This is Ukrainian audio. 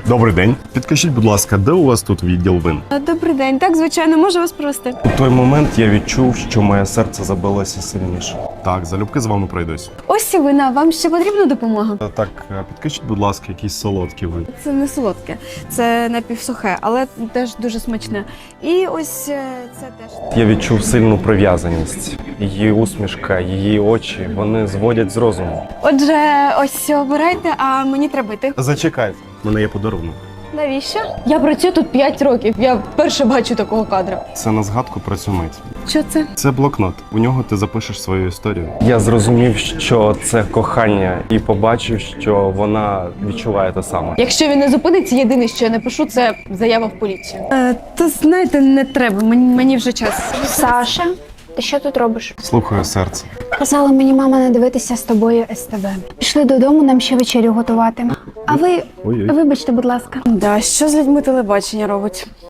Добрий день. Підкажіть, будь ласка, де у вас тут відділ вин? Добрий день, так, звичайно, можу вас провести. У той момент я відчув, що моє серце забилося сильніше. Так, залюбки з вами пройдусь. Ось і вина, вам ще потрібна допомога? Так, підкажіть, будь ласка, якісь солодкі вин. Це не солодке, це напівсухе, але теж дуже смачне. І ось це теж. Я відчув сильну прив'язаність. Її усмішка, її очі, вони зводять з розуму. Отже, ось обирайте, а мені треба йти. Зачекайте, у мене є подарунок. Навіщо? Я працюю тут 5 років. Я вперше бачу такого кадра. Це на згадку про цю мить. Що це? Це блокнот. У нього ти запишеш свою історію. Я зрозумів, що це кохання, і побачив, що вона відчуває те саме. Якщо він не зупиниться, єдине, що я напишу, це заява в поліцію. Та знаєте, не треба, мені вже час. Саша, ти що тут робиш? Слухаю серце. Казала мені мама не дивитися з тобою СТВ. Пішли додому, нам ще вечерю готувати. А ви, Ой-ой. вибачте, будь ласка. Да, що з людьми телебачення робить?